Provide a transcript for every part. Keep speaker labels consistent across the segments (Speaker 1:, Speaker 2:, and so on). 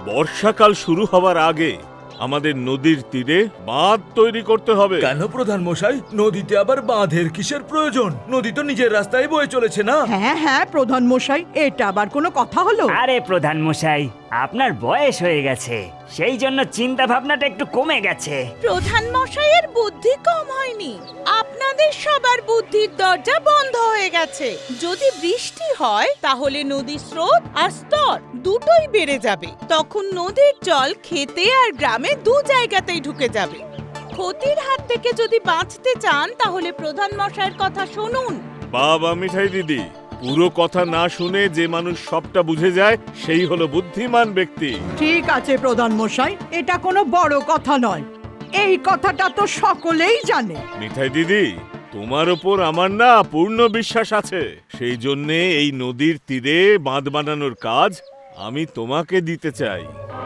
Speaker 1: বর্ষাকাল শুরু হওয়ার আগে আমাদের নদীর তীরে বাঁধ তৈরি করতে হবে।
Speaker 2: কেন প্রধান মশাই, নদীতে আবার বাঁধের কিসের প্রয়োজন? নদী তো নিজের রাস্তায় বয়ে চলেছে না?
Speaker 3: হ্যাঁ হ্যাঁ প্রধান মশাই, এটা আবার কোনো কথা হলো?
Speaker 4: আরে প্রধান মশাই, আপনার বয়স হয়ে গেছে, সেই জন্য চিন্তা ভাবনাটা একটু কমে গেছে।
Speaker 5: প্রধান মশাইয়ের বুদ্ধি কম হয়নি, আপনাদের সবার বুদ্ধির দরজা বন্ধ হয়ে গেছে। যদি বৃষ্টি হয় তাহলে নদীর স্রোত আর স্তর দুটোই বেড়ে যাবে। তখন নদীর জল খেতে আর গ্রামে দু জায়গাতেই ঢুকে যাবে। ক্ষতির হাত থেকে যদি বাঁচতে চান তাহলে প্রধান মশাইয়ের কথা শুনুন।
Speaker 1: বাবা মিঠাই দিদি, পুরো কথা না শুনে যে মানুষ সবটা বুঝে যায় সেই হলো বুদ্ধিমান ব্যক্তি।
Speaker 3: ঠিক আছে প্রধান মশাই, এটা কোনো বড় কথা নয়, এই কথাটা তো সকলেই জানে।
Speaker 1: মিঠাই দিদি, তোমার ওপর আমার না পূর্ণ বিশ্বাস আছে, সেই জন্যে এই নদীর তীরে বাঁধ বানানোর কাজ আমি তোমাকে দিতে চাই।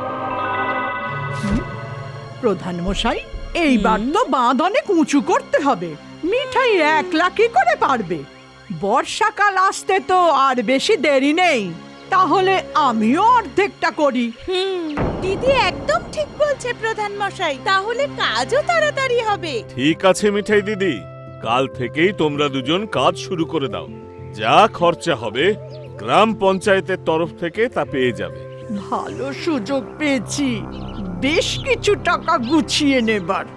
Speaker 3: প্রধান মশাই, এইবার তো বাঁধ অনেক উঁচু করতে হবে। মিঠাই একলা কি করে পারবে? বর্ষাকাল আসতে তো আর বেশি দেরি নেই, তাহলে আমিও অর্ধেকটা করি।
Speaker 5: দিদি একদম ঠিক বলছে প্রধান মশাই, তাহলে কাজও তাড়াতাড়ি হবে।
Speaker 1: ঠিক আছে মিঠাই দিদি, কাল থেকেই তোমরা দুজন কাজ শুরু করে দাও। যা খরচা হবে গ্রাম পঞ্চায়েতের তরফ থেকে তা পেয়ে যাবে।
Speaker 3: ভালো সুযোগ পেয়েছি বেশ কিছু টাকা গুছিয়ে নেবার।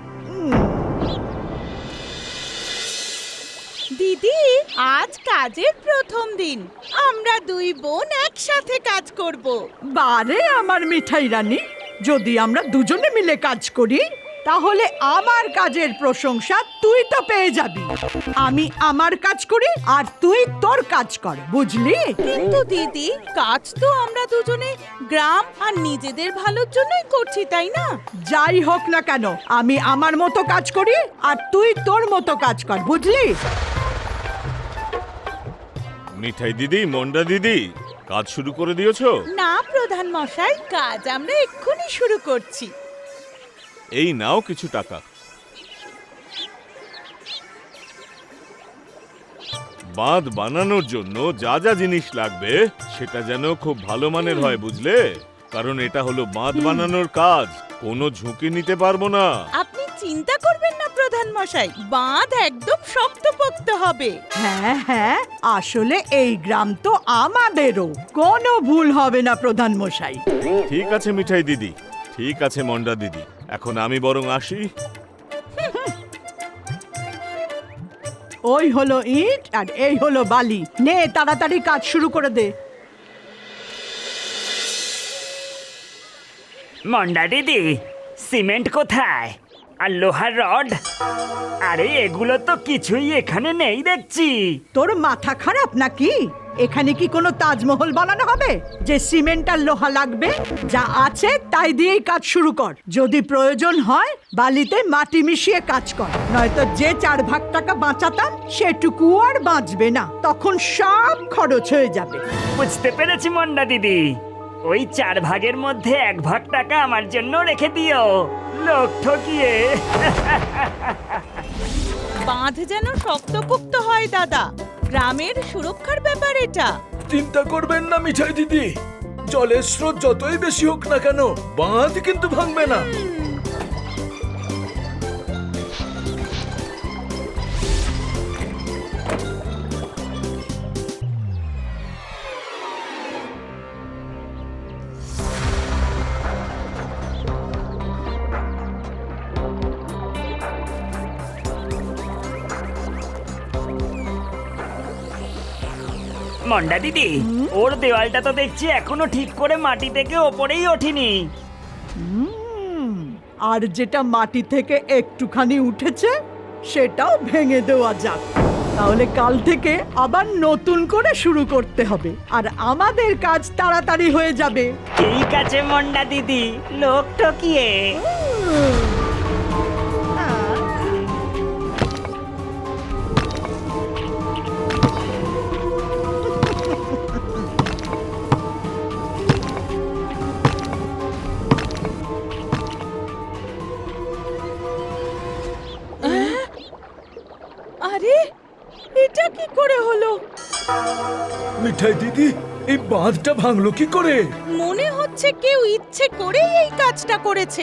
Speaker 5: দিদি, আজ কাজের প্রথম দিন, আমরা দুই বোন একসাথে কাজ করব।
Speaker 3: বারে আমার মিঠাই রানী, যদি আমরা দুজনে মিলে কাজ করি তাহলে আমার কাজের প্রশংসা তুই তো পেয়ে যাবি। আমি আমার কাজ করি আর তুই তোর কাজ কর, বুঝলি?
Speaker 5: কিন্তু দিদি, কাজ তো আমরা দুজনে গ্রাম আর নিজেদের ভালোর জন্যই করছি, তাই না?
Speaker 3: যাই হোক না কেন, আমি আমার মতো কাজ করি আর তুই তোর মতো কাজ কর, বুঝলি?
Speaker 1: মিঠাই দিদি, মন্ডা দিদি, কাজ শুরু করে দিয়েছো?
Speaker 5: না প্রধান মশাই, কাজ আমরা এক্ষুনি শুরু করছি।
Speaker 1: এই নাও কিছু টাকা। বাঁধ বানানোর জন্য যা যা জিনিস লাগবে সেটা যেন খুব ভালো মানের হয়, বুঝলে? কারণ এটা হলো বাঁধ বানানোর কাজ, কোনো ঝুঁকি নিতে পারবো না।
Speaker 5: আপনি চিন্তা করবেন না প্রধান মশাই, বাঁধ একদম শক্তপোক্ত হবে।
Speaker 3: হ্যাঁ হ্যাঁ, আসলে এই গ্রাম তো আমাদেরও, কোনো ভুল হবে না প্রধান মশাই।
Speaker 1: ঠিক আছে মিঠাই দিদি, ঠিক আছে মন্ডা দিদি, এখন আমি বরং আসি।
Speaker 3: ওই হলো ইট আর এই হলো বালি, নে তাড়াতাড়ি কাজ শুরু করে দে।
Speaker 4: মন্ডা দিদি, সিমেন্ট কোথায়? আর লোহার রড? আরে এগুলো তো কিছুই এখানে নেই দেখছি।
Speaker 3: তোর মাথা খারাপ নাকি? এখানে কি কোনো তাজমহল বানানো হবে যে সিমেন্ট আর লোহা লাগবে? যা আছে তাই দিয়েই কাজ শুরু কর। যদি প্রয়োজন হয় বালিতে মাটি মিশিয়ে কাজ কর, নয়তো যে 4 ভাগ টাকা বাঁচাতাম সেটুকু আর বাঁচবে না, তখন সব খরচ হয়ে যাবে।
Speaker 4: বুঝতে পেরেছি মন্ডা দিদি, ওই 4 ভাগের মধ্যে 1 ভাগ টাকা আমার জন্য রেখে দিও, লোক ঠকিয়ে।
Speaker 5: বাঁধ যেন শক্তপোক্ত হয় দাদা, গ্রামের সুরক্ষার ব্যাপার এটা।
Speaker 2: চিন্তা করবেন না মিঠাই দিদি, জলের স্রোত যতই বেশি হোক না কেন বাঁধ কিন্তু ভাঙবে না।
Speaker 4: মন্ডা দিদি, ওর দেওয়ালটা তো দেখছি এখনো ঠিক করে মাটি থেকে ওপরেই ওঠেনি।
Speaker 3: আর যেটা মাটি থেকে একটুখানি উঠেছে সেটাও ভেঙে দেওয়া যাক, তাহলে কাল থেকে আবার নতুন করে শুরু করতে হবে আর আমাদের কাজ তাড়াতাড়ি হয়ে যাবে।
Speaker 4: ঠিক আছে মন্ডা দিদি, লোক ঠকিয়ে।
Speaker 5: আরে, এটা কি করে হলো?
Speaker 2: মিঠাই দিদি, এই বাঁধটা ভাঙলো কি করে?
Speaker 5: মনে হচ্ছে হচ্ছে কেউ ইচ্ছে করেই এই কাজটা করেছে।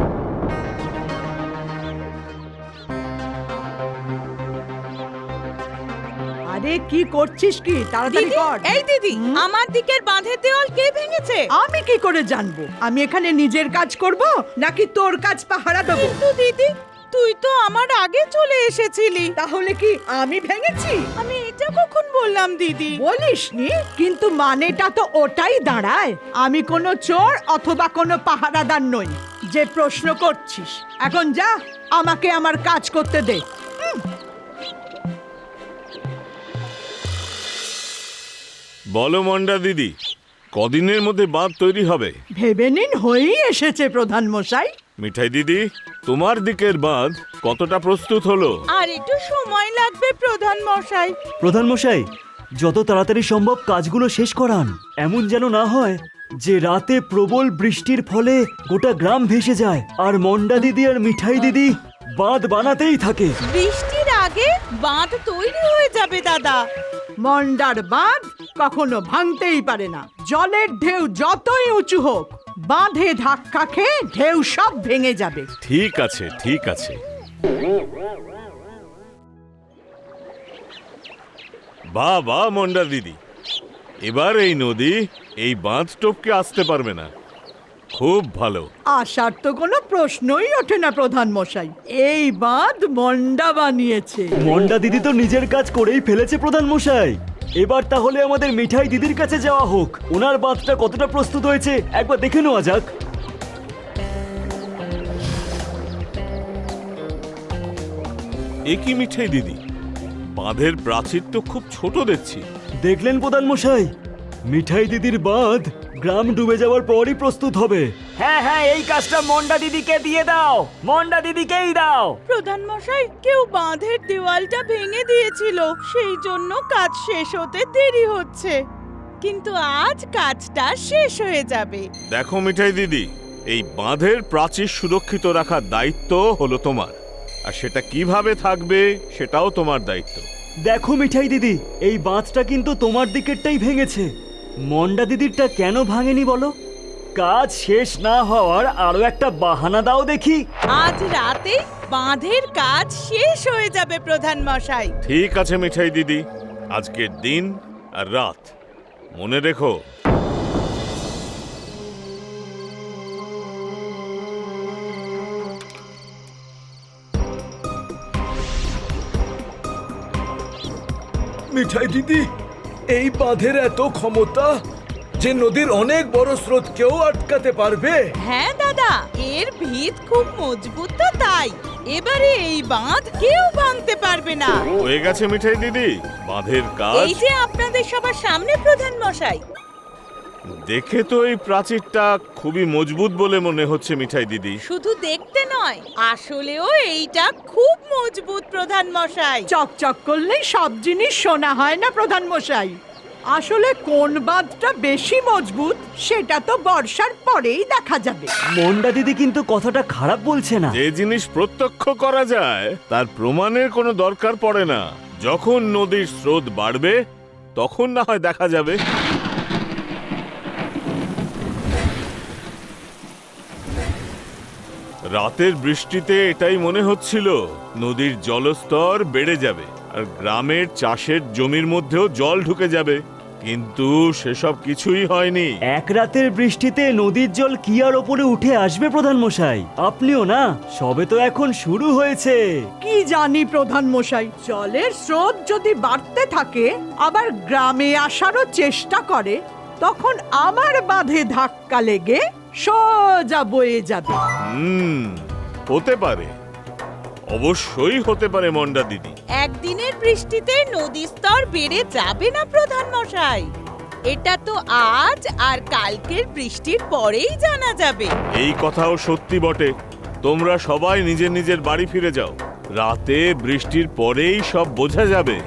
Speaker 3: আরে কি করছিস কি? তাড়াতাড়ি
Speaker 5: দিদি,
Speaker 3: কর।
Speaker 5: এই দিদি, আমার দিকের বাঁধের দেওয়াল কে ভেঙেছে?
Speaker 3: আমি কি করে জানবো? আমি এখানে নিজের কাজ করব নাকি তোর কাজ পাহারা দেবো?
Speaker 5: কিন্তু দিদি, তুই তো আমার আগে চলে এসেছিলি।
Speaker 3: তাহলে কি আমি ভেঙেছি?
Speaker 5: আমি এটা কখন বললাম দিদি?
Speaker 3: বলিসনি, কিন্তু মানেটা তো ওটাই দাঁড়ায়। আমি কোনো চোর অথবা কোনো পাহারাদার নই যে প্রশ্ন করছিস। এখন যা, আমাকে আমার কাজ করতে দে।
Speaker 1: বলো মন্ডা দিদি, কদিনের মধ্যে বাঁধ তৈরি হবে?
Speaker 3: ভেবে নিন, হয়েই এসেছে প্রধান মশাই।
Speaker 1: মিঠাই দিদি, তোমার দিকের বাঁধ কতটা প্রস্তুত হলো?
Speaker 5: আর একটু সময় লাগবে প্রধান মশাই।
Speaker 6: প্রধান মশাই, যত তাড়াতাড়ি সম্ভব কাজগুলো শেষ করান। এমন যেন না হয় যে রাতে প্রবল বৃষ্টির ফলে গোটা গ্রাম ভেসে যায় আর মন্ডা দিদি আর মিঠাই দিদি বাঁধ বানাতেই থাকে।
Speaker 5: বৃষ্টির আগে বাঁধ তৈরি হয়ে যাবে দাদা।
Speaker 3: মন্ডার বাঁধ কখনো ভাঙতেই পারে না। জলের ঢেউ যতই উঁচু হোক, বাঁধে ধাক্কা খেয়ে ঢেউ সব ভেঙে যাবে।
Speaker 1: ঠিক আছে, ঠিক আছে। বাহ বাহ মন্ডা দিদি, এবার এই নদী এই বাঁধ টপকে আসতে পারবে না। খুব ভালো।
Speaker 3: আসার তো কোনো প্রশ্নই ওঠে না প্রধান মশাই। এই বাঁধ মন্ডা বানিয়েছে।
Speaker 6: মন্ডা দিদি তো নিজের কাজ করেই ফেলেছে প্রধান মশাই। এবার তাহলে আমাদের মিঠাই দিদির কাছে যাওয়া হোক। ওনার বাঁধটা কতটা প্রস্তুত হয়েছে একবার দেখে নেওয়া যাক।
Speaker 1: এ কি মিঠাই দিদি, বাঁধের প্রাচীর তো খুব ছোট দেখছি।
Speaker 6: দেখলেন প্রধান মশাই, মিঠাই দিদির বাঁধ গ্রাম ডুবে যাওয়ার পরই প্রস্তুত হবে।
Speaker 4: হ্যাঁ হ্যাঁ, এই কাজটা মন্ডা দিদিকে দিয়ে দাও, মন্ডা দিদিকেই দাও।
Speaker 5: প্রধান মশাই, কেউ বাঁধের দেওয়ালটা ভেঙে দিয়েছিল, সেই জন্য কাজ শেষ হতে দেরি হচ্ছে। কিন্তু আজ কাজটা শেষ হয়ে যাবে।
Speaker 1: দেখো মিঠাই দিদি, এই বাঁধের প্রাচীর সুরক্ষিত রাখার দায়িত্ব হলো তোমার, আর সেটা কিভাবে থাকবে সেটাও তোমার দায়িত্ব।
Speaker 6: দেখো মিঠাই দিদি, এই বাঁধটা কিন্তু তোমার দিকেরটাই ভেঙেছে। মন্ডা দিদিরটা কেন ভাঙেনি বলো? কাজ শেষ না হওয়ার আরো একটা বাহানা দাও দেখি।
Speaker 5: আজ রাতে বাঁধের কাজ শেষ হয়ে যাবে প্রধান মশাই।
Speaker 1: ঠিক আছে মিঠাই দিদি, আজকের দিন আর রাত মনে রেখো।
Speaker 2: মিঠাই দিদি, এই বাঁধের এত ক্ষমতা যে নদীর অনেক বড় স্রোতকেও আটকাতে পারবে।
Speaker 5: হ্যাঁ দাদা, এর ভিত খুব মজবুত, তো তাই এবারে এই বাঁধ কেউ ভাঙতে পারবে না।
Speaker 1: হয়ে গেছে মিঠাই দিদি বাঁধের কাজ।
Speaker 5: এই যে আপনাদের সবার সামনে প্রধান মশাই।
Speaker 1: দেখে তো এই প্রাচীরটা খুবই মজবুত বলে মনে হচ্ছে মিঠাই দিদি।
Speaker 5: শুধু দেখতে নয়, আসলেও এইটা খুব মজবুত প্রধান মশাই।
Speaker 3: চকচক করলেই সব জিনিস শোনা হয় না প্রধান মশাই। আসলে কোন বাঁধটা বেশি মজবুত সেটা তো বর্ষার পরেই দেখা যাবে।
Speaker 6: মন্ডা দিদি কিন্তু কথাটা খারাপ বলছে না।
Speaker 1: যে জিনিস প্রত্যক্ষ করা যায় তার প্রমাণের কোনো দরকার পড়ে না। যখন নদীর স্রোত বাড়বে তখন না হয় দেখা যাবে। রাতের বৃষ্টিতে এটাই মনে হচ্ছিল, নদীর জলস্তর বেড়ে যাবে আর গ্রামের চাষের জমির মধ্যেও জল ঢুকে যাবে, কিন্তু সেসব কিছুই হয়নি।
Speaker 6: এক রাতের বৃষ্টিতে নদীর জল কি আর ওপরে উঠে আসবে প্রধান মশাই? আপনিও না, সবে তো এখন শুরু হয়েছে।
Speaker 3: কি জানি প্রধান মশাই, জলের স্রোত যদি বাড়তে থাকে আবার গ্রামে আসারও চেষ্টা করে, তখন আমার বাঁধে ধাক্কা লেগে সোজা বয়ে যাবে।
Speaker 1: হতে পারে, অবশ্যই হতে পারে মন্ডা দিদি।
Speaker 5: একদিনের বৃষ্টিতে নদীর স্তর বেড়ে যাবে না প্রধান মশাই। এটা তো আজ আর কালকের বৃষ্টির পরেই জানা যাবে।
Speaker 1: এই কথাও সত্যি বটে। তোমরা সবাই নিজের নিজের বাড়ি ফিরে যাও, রাতে বৃষ্টির পরেই সব বোঝা যাবে।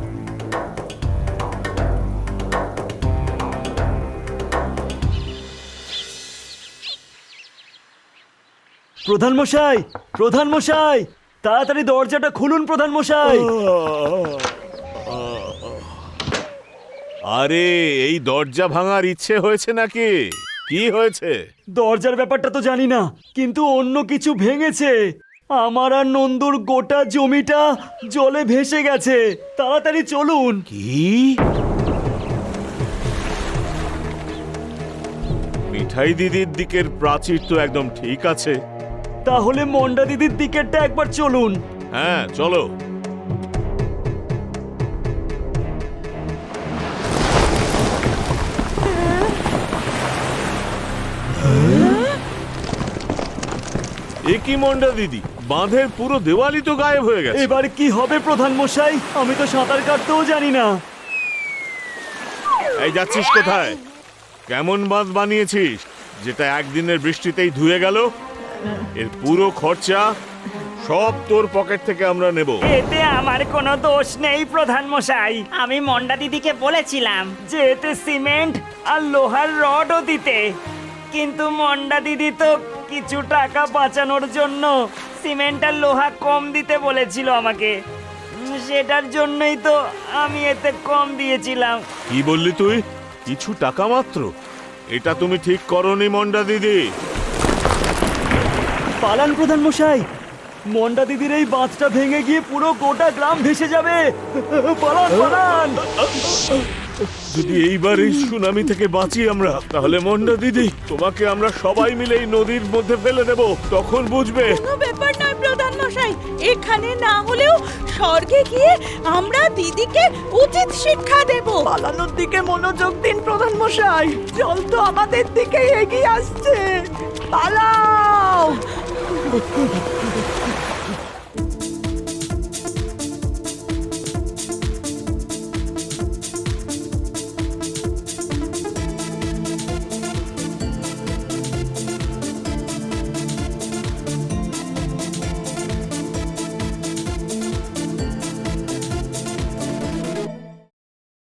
Speaker 6: প্রধান মশাই, প্রধান মশাই, তাড়াতাড়ি দরজাটা খুলুন প্রধান মশাই।
Speaker 1: আরে এই দরজা ভাঙার ইচ্ছে হয়েছে নাকি? কি হয়েছে?
Speaker 6: দরজার ব্যাপারটা তো জানি না, কিন্তু অন্য কিছু ভেঙেছে। আমার আর নন্দুর গোটা জমিটা জলে ভেসে গেছে। তাড়াতাড়ি চলুন।
Speaker 1: কি? মিঠাই দিদির দিকের প্রাচীর তো একদম ঠিক আছে।
Speaker 6: তাহলে মন্ডা দিদির দিকেরটা একবার চলুন।
Speaker 1: হ্যাঁ, চলো। এ কি মন্ডা দিদি, বাঁধের পুরো দেওয়ালি তো গায়েব হয়ে গেছে।
Speaker 6: এবার কি হবে প্রধান মশাই? আমি তো সাঁতার কাটতেও জানি না।
Speaker 1: এই যাচ্ছিস কোথায়? কেমন বাঁধ বানিয়েছিস যেটা একদিনের বৃষ্টিতেই ধুয়ে গেল? এর পুরো খরচা সব তোর পকেট থেকে আমরা নেব।
Speaker 4: এতে আমার কোনো দোষ নেই প্রধান মশাই। আমি মন্ডা দিদিকে বলেছিলাম যে এতে সিমেন্ট আর লোহার রডও দিতে, কিন্তু মন্ডা দিদি তো কিছু টাকা বাঁচানোর জন্য সিমেন্ট আর লোহা কম দিতে বলেছিল আমাকে। সেটার জন্যই তো আমি এতে কম দিয়েছিলাম।
Speaker 1: কি বললি তুই? কিছু টাকা মাত্র? এটা তুমি ঠিক করনি মন্ডা দিদি।
Speaker 6: পালান প্রধান মশাই, মন্ডা দিদির এই বাঁধটা ভেঙে গিয়ে পুরো গোটা গ্রাম ভেসে যাবে। পালান পালান।
Speaker 1: যদি এইবার এই সুনামি থেকে বাঁচি আমরা, তাহলে মন্ডা দিদি তোমাকে আমরা সবাই মিলে এই নদীর মধ্যে ফেলে দেব। তখন বুঝবে।
Speaker 5: কোনো ব্যাপার নয় প্রধান মশাই, এখানে না হলেও স্বর্গে গিয়ে আমরা দিদিকে উচিত শিক্ষা দেব।
Speaker 3: পালানোর দিকে মনোযোগ দিন প্রধান মশাই, জল তো আমাদের দিকে এগিয়ে আসছে। পালাও।